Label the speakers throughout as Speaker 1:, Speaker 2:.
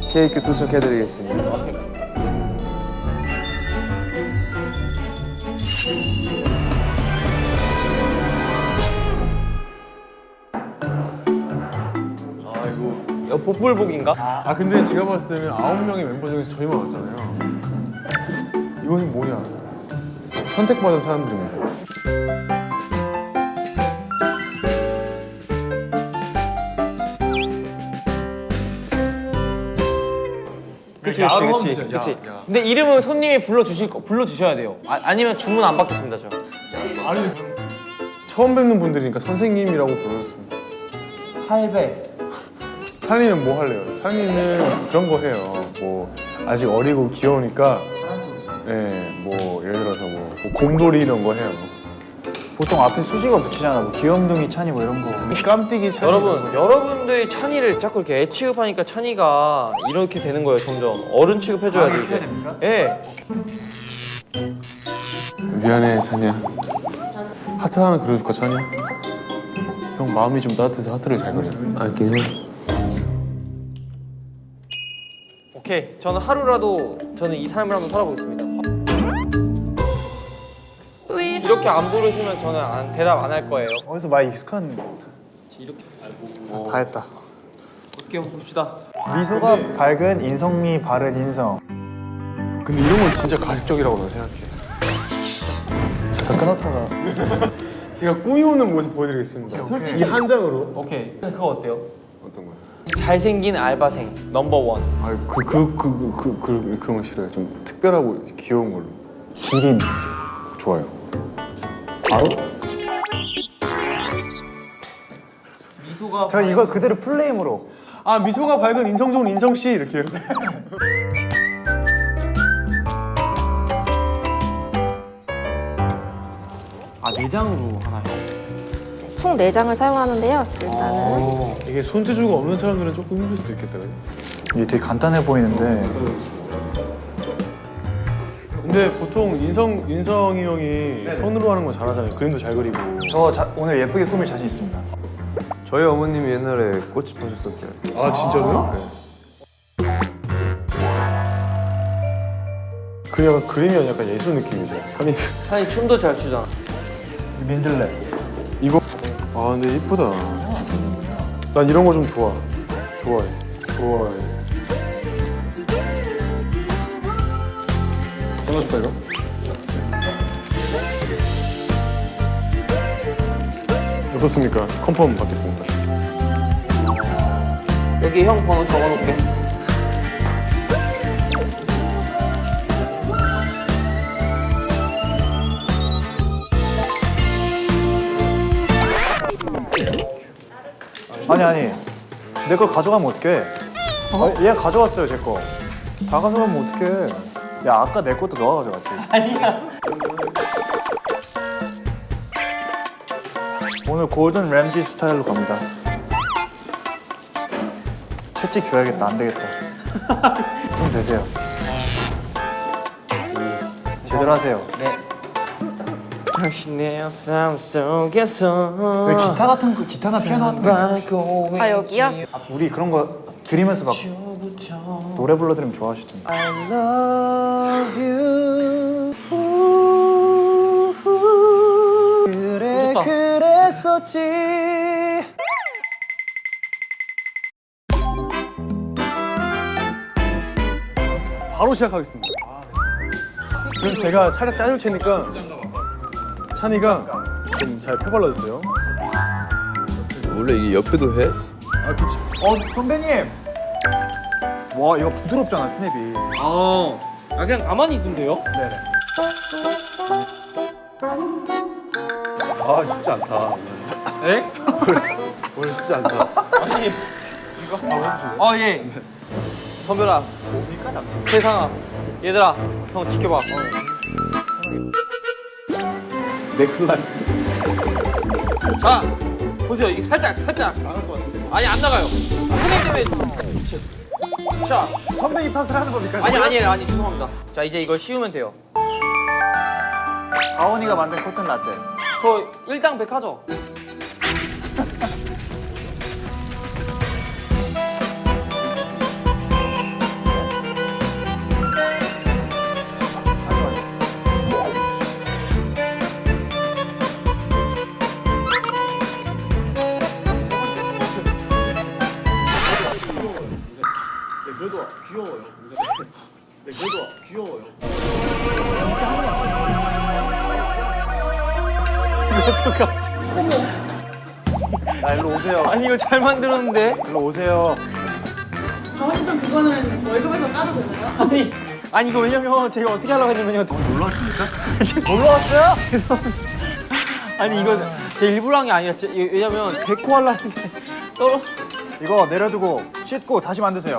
Speaker 1: 케이크 도착해드리겠습니다.
Speaker 2: 이거 복불복인가?
Speaker 3: 아 근데 제가 봤을 때는 9명의 멤버 중에서 저희만 왔잖아요. 이것은 뭐냐? 선택받은 사람들입니다.
Speaker 2: 그치. 근데 이름은 손님이 불러주셔야 돼요. 아니면 주문 안 받겠습니다, 저.
Speaker 3: 아니 처음 뵙는 분들이니까 선생님이라고 불렀습니다.
Speaker 2: 할배.
Speaker 3: 찬이는 뭐 할래요? 찬이는 그런 거 해요. 뭐 아직 어리고 귀여우니까 뭐 예를 들어서 뭐 곰돌이 이런 거 해요.
Speaker 4: 보통 앞에 수식어 붙이잖아. 뭐 귀염둥이 찬이 뭐 이런 거.
Speaker 3: 깜띠기 찬이.
Speaker 2: 여러분들이 찬이를 자꾸 이렇게 애 취급하니까 찬이가 이렇게 되는 거예요, 점점. 어른 취급해줘야 돼, 이제. 예.
Speaker 3: 미안해 찬이야. 하트 하나 그려줄까 찬이? 형 마음이 좀 따뜻해서 하트를 잘 그려.
Speaker 1: 아, 괜찮아.
Speaker 2: 오케이. 저는 하루라도 저는 이 삶을 한번 살아보겠습니다. 이렇게 안 부르시면 저는 대답 안 할 거예요.
Speaker 4: 어디서 많이 익숙한.
Speaker 2: 이렇게
Speaker 4: 다 했다.
Speaker 2: 어떻게 한번 봅시다.
Speaker 4: 미소가 밝은 인성미 바른 인성.
Speaker 3: 근데 이런 건 진짜 가식적이라고 난 생각해.
Speaker 4: 잠깐 끊었다가.
Speaker 3: 제가 꾸미우는 모습 보여드리겠습니다. 솔직히 이 한 장으로.
Speaker 2: 오케이. 그거 어때요?
Speaker 3: 어떤 거요?
Speaker 2: 잘생긴 알바생 넘버원.
Speaker 3: 아, 그런 거 싫어요. 좀 특별하고 귀여운 걸로.
Speaker 4: 기린.
Speaker 3: 좋아요.
Speaker 4: 바로?
Speaker 2: 미소가
Speaker 4: 전 이걸 그대로 풀네임으로.
Speaker 3: 아, 미소가 밝은 인성 좋은 인성 씨 이렇게요.
Speaker 2: 내장으로 하나요?
Speaker 5: 총 4장을 사용하는데요. 일단은
Speaker 3: 이게 손재주가 없는 사람들은 조금 힘들 수도 있겠다. 그죠?
Speaker 4: 이게 되게 간단해 보이는데.
Speaker 3: 근데 보통 인성이 형이 손으로 하는 거 잘하잖아요. 그림도 잘 그리고.
Speaker 4: 오늘 예쁘게 꾸밀 자신 있습니다.
Speaker 1: 저희 어머님이 옛날에 꽃이 펴셨었어요.
Speaker 3: 아, 진짜로요? 네. 그 약간 그림이 아니라 약간 예술 느낌이죠.
Speaker 2: 찬이 춤도 잘 추잖아.
Speaker 4: 민들레.
Speaker 3: 이거 아 근데 이쁘다. 난 이런 거 좀 좋아해. 잘라줄까 이거? 어떻습니까? 컨펌 받겠습니다.
Speaker 2: 여기 형 번호 적어놓을게.
Speaker 4: 아니. 내 걸 가져가면 어떡해? 얘 가져왔어요, 제 거. 다 가져가면 어떡해? 야, 아까 내 것도 너가 가져갔지. 아니야. 오늘 골든 램지 스타일로 갑니다. 채찍 줘야겠다. 안 되겠다. 좀 되세요. 제대로 하세요.
Speaker 2: 네. 당신의 삶 속에서
Speaker 4: 왜 기타나 피아노 같은 거.
Speaker 5: 아 여기요?
Speaker 4: 우리 그런 거 들으면서 막 노래 불러드리면 좋아하시던데.
Speaker 2: I love you.
Speaker 4: 그래
Speaker 2: 좋다.
Speaker 4: 그랬었지.
Speaker 3: 바로 시작하겠습니다. 그럼 제가 살짝 짜줄 테니까 찬이가 좀 잘 펴발라주세요.
Speaker 1: 원래 이게 옆에도 해?
Speaker 3: 아, 그렇죠.
Speaker 4: 선배님. 와 이거 부드럽잖아 스냅이.
Speaker 2: 그냥 가만히 있으면 돼요?
Speaker 4: 네네.
Speaker 3: 아, 쉽지 않다.
Speaker 2: 네?
Speaker 3: 오늘 쉽지 않다.
Speaker 2: 예. 선별아. 세상아. 얘들아, 형 지켜봐.
Speaker 3: 넥슬라이스.
Speaker 2: 자, 보세요. 이게 살짝. 아니, 안 나가요. 선생님 때문에. 자,
Speaker 4: 선배님 탓을 하는 겁니까?
Speaker 2: 아니, 죄송합니다. 자, 이제 이걸 씌우면 돼요.
Speaker 4: 가온이가 만든 코튼 라떼.
Speaker 2: 저 일당백 하죠?
Speaker 4: 그래도 귀여워요. 네, 그래도 귀여워요. 아, 일로 오세요.
Speaker 2: 아니 이거 잘 만들었는데.
Speaker 4: 일로 오세요.
Speaker 6: 저희도 그거는 월급에서 까도 되나요?
Speaker 2: 아니 이거 왜냐면 제가 어떻게 하려고 했냐면요.
Speaker 4: 놀러 왔습니까? 놀러 왔어요?
Speaker 2: 아니 이거 제 일부러 한 게 아니라 왜냐면 데코 하려고 했는데 떨어.
Speaker 4: 이거 내려두고 씻고 다시 만드세요.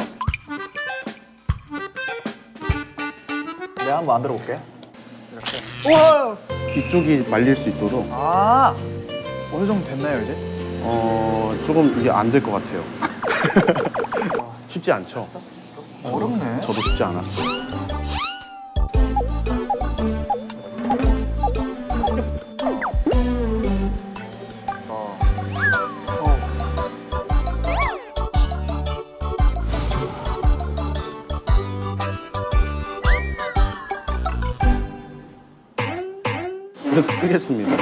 Speaker 4: 내가 한번 만들어 볼게. 이렇게. 우와!
Speaker 7: 이쪽이 말릴 수 있도록
Speaker 4: 아, 어느 정도 됐나요 이제?
Speaker 7: 조금 이게 안 될 것 같아요. 쉽지 않죠?
Speaker 4: 어렵네.
Speaker 7: 저도 쉽지 않았어요. 그래도 끄겠습니다.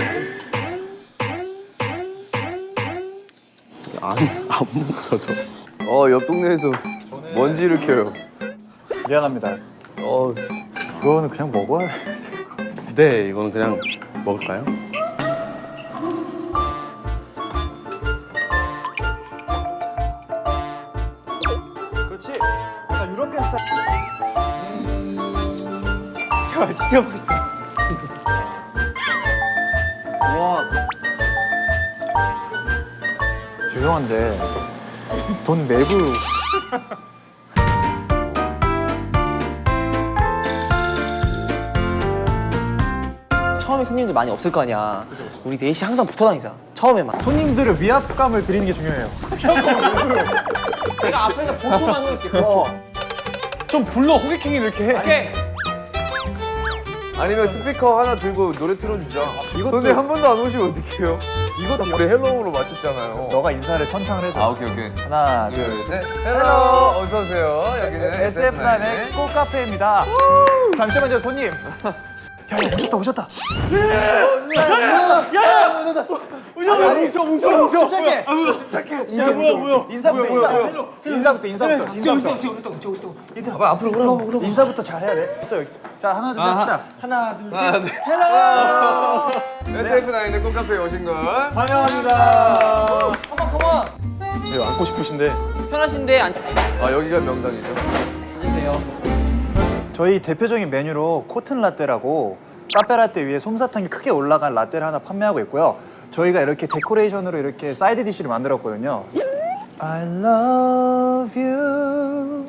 Speaker 7: 안 뭉쳐져.
Speaker 1: 옆 동네에서 먼지를 켜요.
Speaker 4: 미안합니다. 그거는 그냥 먹어야 돼.
Speaker 7: 네, 이거는 그냥 먹을까요?
Speaker 4: 그렇지. 약간 유러피안 스타일.
Speaker 2: 야 진짜 멋있다.
Speaker 4: 와. 죄송한데 돈 내부.
Speaker 2: 처음에 손님들 많이 없을 거 아니야. 우리 넷이 항상 붙어 다니자. 처음에만.
Speaker 4: 손님들의 위압감을 드리는 게 중요해요.
Speaker 2: 내가 앞에서 보초만 해줄게. 좀 불러 호객행위 이렇게 해. 오케이.
Speaker 1: 아니면 스피커 하나 들고 노래 틀어주자.
Speaker 4: 이것도-
Speaker 1: 근데 한 번도 안 오시면 어떡해요?
Speaker 4: 이것도
Speaker 1: 우리 헬로우로 맞췄잖아요.
Speaker 4: 너가 인사를 선창을 해줘.
Speaker 1: 오케이.
Speaker 4: 하나, 둘,
Speaker 1: 둘, 셋. 헬로. 어서 오세요. 여기는
Speaker 4: SF9의 꽃카페입니다. 잠시만요, 손님. 야, 오셨다. 뭉쳐. 침착해. 뭐야. 인사부터.
Speaker 1: 앞으로 그럼.
Speaker 4: 인사부터 잘 해야 돼. 있어, 여기 있어. 자, 하나, 둘, 셋, 합시다.
Speaker 1: 하나, 둘. 헬로. SF9의 콩카페에 오신 걸
Speaker 4: 환영합니다.
Speaker 2: 컴온.
Speaker 3: 네, 앉고 싶으신데
Speaker 2: 편하신데
Speaker 1: 여기가 명당이죠.
Speaker 2: 앉으세요.
Speaker 4: 저희 대표적인 메뉴로 코튼 라떼라고 카페 라떼 위에 솜사탕이 크게 올라간 라떼를 하나 판매하고 있고요. 저희가 이렇게 데코레이션으로 이렇게 사이드 디시를 만들었거든요. I love you.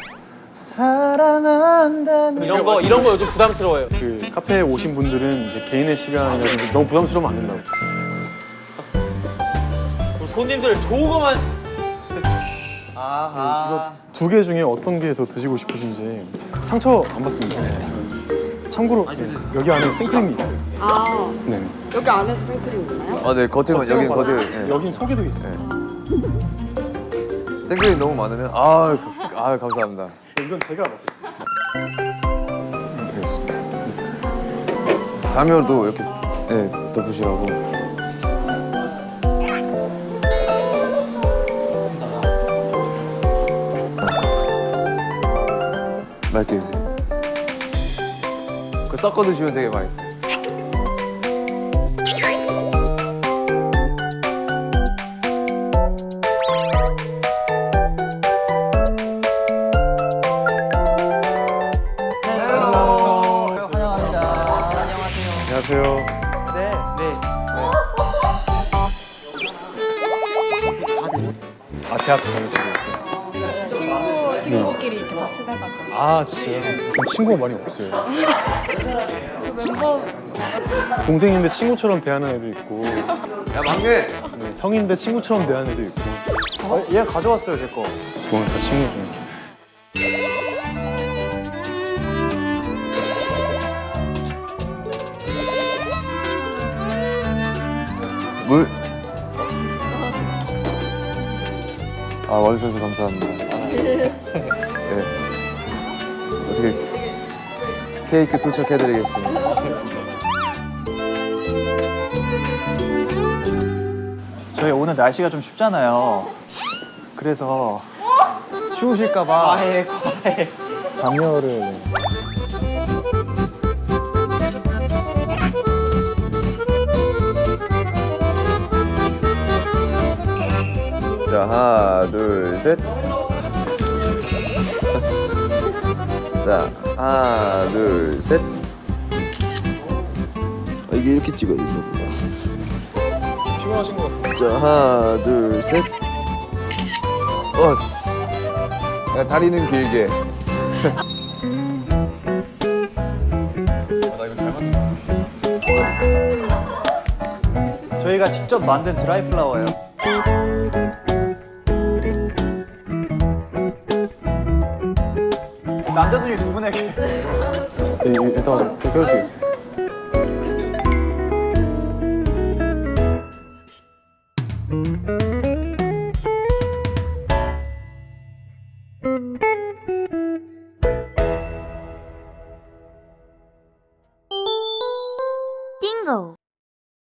Speaker 4: 사랑한다는
Speaker 2: 이런 거 요즘 부담스러워요.
Speaker 3: 그 카페에 오신 분들은 이제 개인의 시간이라든지 너무 부담스러우면 안 된다고.
Speaker 2: 우리 손님들 좋은 거만. 아하.
Speaker 3: 2개 중에 어떤 게 더 드시고 싶으신지 상처 안 받습니다. 참고로 여기 안에 생크림이 있어요.
Speaker 6: 아,
Speaker 3: 네.
Speaker 6: 여기 안에도 생크림 있나요?
Speaker 1: 네, 겉에만 여긴 겉에. 네.
Speaker 3: 여긴 속에도 있어요.
Speaker 1: 생크림 너무 많으면 감사합니다.
Speaker 3: 이건 제가 먹겠습니다. 알겠습니다.
Speaker 1: 다음에도 이렇게 덮으시라고. 맛있게 드세요. 그거 섞어 드시면 되게 맛있어요.
Speaker 3: 안녕하세요.
Speaker 2: 네.
Speaker 3: 대학 다니시고.
Speaker 6: 친구끼리 이렇게 같이 해가지고.
Speaker 3: 진짜요? 전 친구가 많이 없어요.
Speaker 6: 멤버
Speaker 3: 동생인데 친구처럼 대하는 애도 있고,
Speaker 1: 야, 막내!
Speaker 3: 네, 형인데 친구처럼 대하는 애도 있고.
Speaker 4: 얘 가져왔어요, 제 거.
Speaker 3: 그건 다 친구죠.
Speaker 1: 물. 와주셔서 감사합니다. 네. 어떻게 케이크 도착해드리겠습니다.
Speaker 4: 저희 오늘 날씨가 좀 춥잖아요. 그래서 추우실까봐
Speaker 2: 과해.
Speaker 4: 담요를.
Speaker 1: 자, 하나, 둘, 셋. 자, 하나, 둘, 셋.
Speaker 8: 이게 이렇게 찍어야 되나 보다.
Speaker 3: 피곤하신 것 같아요.
Speaker 8: 자, 하나, 둘, 셋.
Speaker 1: 야, 다리는 길게.
Speaker 4: 저희가 직접 만든 드라이 플라워예요. 남자 중에 두 분에게
Speaker 3: 일단 좀 껴주시겠어요?